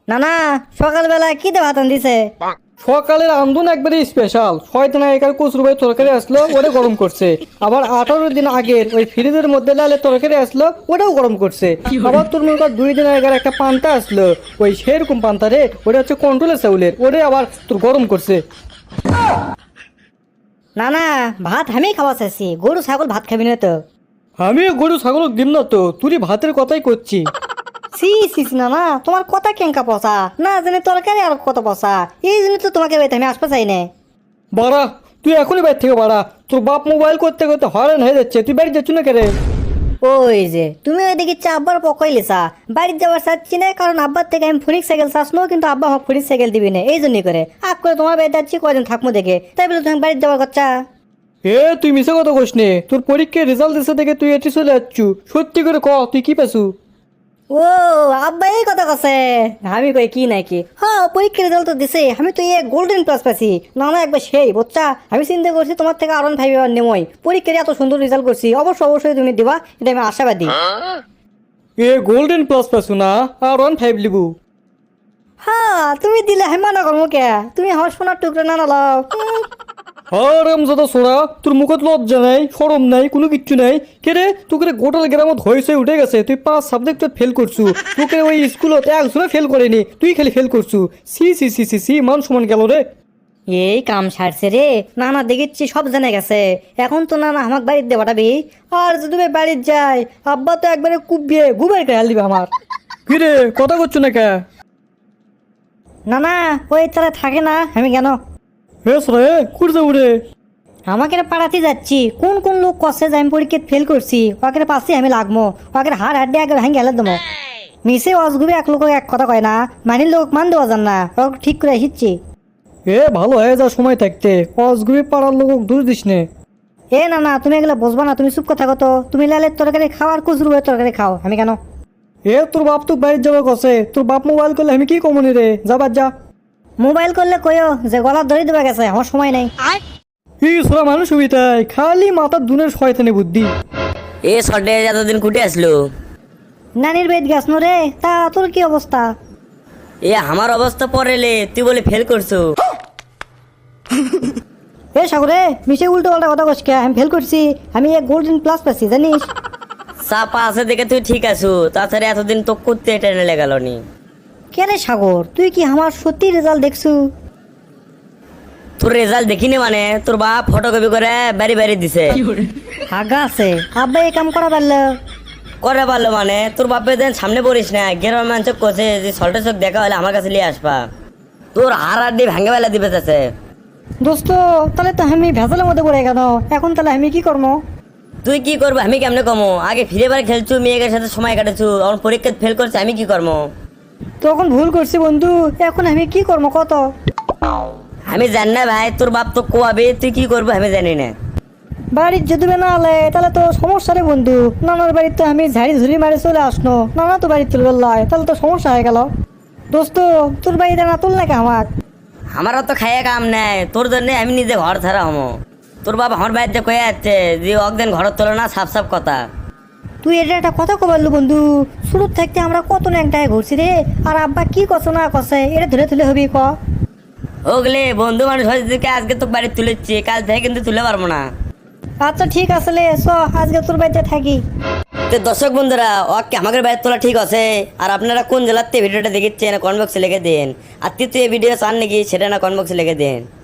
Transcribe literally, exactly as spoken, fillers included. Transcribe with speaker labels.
Speaker 1: না না, সকালবেলা কি দে ভাত দিছে?
Speaker 2: সকালের আন্দোলন একবারে স্পেশাল। ছয়দিন আগেকার কচুর ভাই তরকারি আসলো, ওটা গরম করছে। আবার আঠারো দিন আগের ওই ফ্রিজের মধ্যে লালে তরকারি আসলো, ওটাও গরম করছে। আবার তোর মনে কর দুই দিন আগের একটা পান্তা আসলো, ওই সেরকম পান্তা রে, ওটা হচ্ছে কন্ট্রোলের চাউলের, ওটাই আবার তোর গরম করছে।
Speaker 1: না না, ভাত আমি খাওয়া চাইছি, গরু ছাগল ভাত খাবি না তো?
Speaker 2: আমি গরু ছাগল দিম না তো, তুই ভাতের কথাই করছি।
Speaker 1: সি সি সি, না না, তোমার কথা কেঙ্কা পচা না জানি, তরকারি আর কত পচা। এই জন্য তো তোমাকে বাইতে আমি আসতে চাই না।
Speaker 2: বাড়া, তুই এখনই বাইর থেকে বাড়া। তোর বাপ মোবাইল করতে করতে হয়রান হয়ে যাচ্ছে, তুই বাড়ি যাচ্ছ না কেরে?
Speaker 1: ওই যে তুমি ওই দেখি আব্বার পকাইলিসা, বাড়ির যাওয়ার চাচ্ছি না, কারণ আব্বার থেকে আমি ফোনিক সাইকেল চাচ্ছ, কিন্তু আব্বা আমাকে ফোনিক সাইকেল দিবি না, এই জন্যই করে আপ করে তোমার বাড়িতে যাচ্ছি, কয়দিন থাকবো দেখে, তাই বলে তুমি বাড়ির যাওয়ার কথা।
Speaker 2: এ তুই মিশে কথা কোস নে, তোর পরীক্ষার রেজাল্ট এসে দেখে তুই এটি চলে যাচ্ছু। সত্যি করে ক, তুই কি পেছু?
Speaker 1: ও আব্বা এই কথা কছে, আমি কই কি নাকি? হ্যাঁ, পরীক্ষার রেজাল্ট তো দিছে, আমি তো এই গোল্ডেন প্লাস পাইছি। না না, একবার সেই বাচ্চা, আমি চিন্তা করছি তোমার থেকে আরন ফাইভ এবার নেমই। পরীক্ষায় এত সুন্দর রেজাল্ট করছি, অবশ্যই অবশ্যই তুমি দিবা, এটা আমি আশাবাদী।
Speaker 2: এ গোল্ডেন প্লাস পেছু না, আর ওয়ান ফাইভ লিবু।
Speaker 1: হ্যাঁ, তুমি দিলে আমি মানা করবো কে? তুমি আমার সোনার টুকরো না না লাও।
Speaker 2: আরাম যাদা সোরা, তোর মুখত লজ্জা নাই, সরম নাই, কোনো কিচ্ছু নাই। কে রে, তোকে গোটাল গ্রামত হয়েছে উঠে গেছে, তুই পাঁচ সাবজেক্টত ফেল করছু। তোকে ওই স্কুলত একজনে ফেল করেনি, তুই খালি ফেল করছু। C C C C C, মান সমান গেল রে।
Speaker 1: এই কাম সারছে রে, নানা দেখেছি সব জেনে গেছে। এখন তো নানা আমাকে বাড়িতে দিয়ে পাঠাবি, আর যদি আমি বাড়িতে যাই, আব্বা তো একবারে কুবিয়ে গুবের খেয়াল দিবে আমার।
Speaker 2: কি রে, কথা করছো না কে?
Speaker 1: না না, ওই তারা থাকে না, আমি কেন
Speaker 2: বেশ রে, কুড়তে উড়ে।
Speaker 1: আমাকে পাড়াতে যাচ্ছি, কোন কোন লোক কষে যে আমি পরীক্ষা ফেল করছি, ওকে পাশে আমি লাগবো, ওকে হাড় হাড্ডি আগে ভাঙে গেলে দেবো। মিশে অসগুবি এক লোক এক কথা কয় না, মানির লোক মান দেওয়া যান না, ওকে ঠিক করে এসেছি।
Speaker 2: এ ভালো হয়ে যা সময় থাকতে, অসগুবি পাড়ার লোক দূর দিস নে।
Speaker 1: এ না না, তুমি এগুলো বুঝবা না, তুমি চুপ কথা কত, তুমি লালের তরকারি খাও আর কুচুর তরকারি খাও, আমি কেন?
Speaker 2: এ তোর বাপ তো বাইরে যাবে কসে, তোর বাপ মোবাইল করলে আমি কি কমনি রে, যাবার যা।
Speaker 1: মোবাইল করলে কইও যে গলার ধরে দেবে গেছে, আমার সময় নেই।
Speaker 2: এই সোরা মানুষ সুবিধায় খালি মাথার দুনের শয়তানি বুদ্ধি।
Speaker 3: এ সডে এতদিন কুটে আসলো?
Speaker 1: নানির বেদ গাছ রে, তা তোর কি অবস্থা?
Speaker 3: এ আমার অবস্থা পড়েলে তুই বলে ফেল করছো।
Speaker 1: এ সাগরে, মিশে উল্টো পাল্টা কথা কস কে? আমি ফেল করছি, আমি এক গোল্ডেন প্লাস পাচ্ছি জানিস।
Speaker 3: চাপা আছে দেখে তুই ঠিক আছো, তাছাড়া এতদিন তো করতে টেনে লেগাল নি।
Speaker 1: কে রে সাগর, তুই কি আমার সত্যি রেজাল্ট দেখছু?
Speaker 3: তোর রেজাল্ট দেখিনি মানে, তোর বাপ ফটোকপি করে বাড়ি বাড়ি দিছে।
Speaker 1: আগা আছে, আব্বা এই কাম করা পারলো?
Speaker 3: করে পারলো মানে, তোর বাপের দেন সামনে পড়িস না, গ্রামের মানুষ কোচে যে সল্টে চোখ দেখা হলে আমার কাছে নিয়ে আসবা, তোর হার আড্ডি ভাঙে বেলা দিবে চাচ্ছে।
Speaker 1: দোস্ত, তাহলে তো আমি ভেজালের মধ্যে পড়ে গেল, এখন তাহলে আমি কি করবো?
Speaker 3: তুই কি করবো আমি কেমনে কমো? আগে ফিরে বার খেলছু, মেয়েদের সাথে সময় কাটাচ্ছু, আমার পরীক্ষা ফেল করছে, আমি কি করবো?
Speaker 1: তখন ভুল করছি বন্ধু, এখন আমি কি করবো কত?
Speaker 3: আমি জানি না ভাই, তোর বাপ তো কোয়াবে, তুই কি করবো আমি জানি না।
Speaker 1: বাড়ির যদি না আলে তাহলে তো সমস্যা রে বন্ধু। নানার বাড়িতে আমি ঝাড়ি ঝুড়ি মারে চলে আসলো, নানা তো বাড়িতে তুলে লাই, তাহলে তো সমস্যা হয়ে গেল। দোস্ত, তোর বাড়িতে না তুল নাকি আমার?
Speaker 3: আমারও তো খাইয়া কাম নাই, তোর জন্য আমি নিজে ঘর ছাড়া হমো। তোর বাবা আমার বাড়িতে কয়ে যাচ্ছে যে একদিন ঘর তোলো না, সাফ সাফ কথা।
Speaker 1: তুই এটা একটা কথা কবারলু বন্ধু, শুরু থাকতে আমরা কত ন্যাংটায় ঘুরছি রে, আর আব্বা কি কছ না কছে, এটা ধরে তুলে হবি ক?
Speaker 3: ওগলে বন্ধু মানুষ হয়েছে, আজকে তো বাড়ি তুলেছি, কাল থেকে কিন্তু তুলে পারবো না।
Speaker 1: আচ্ছা ঠিক আছে লে, চ আজকে তোর বাড়িতে থাকি।
Speaker 3: তো দর্শক বন্ধুরা, ওকে আমাদের বাড়ি তোলা ঠিক আছে। আর আপনারা কোন জেলাতে ভিডিওটা দেখেছেন কমেন্ট বক্সে লিখে দেন। আর তৃতীয় ভিডিও চান নাকি সেটা না কমেন্ট বক্সে লিখে দেন।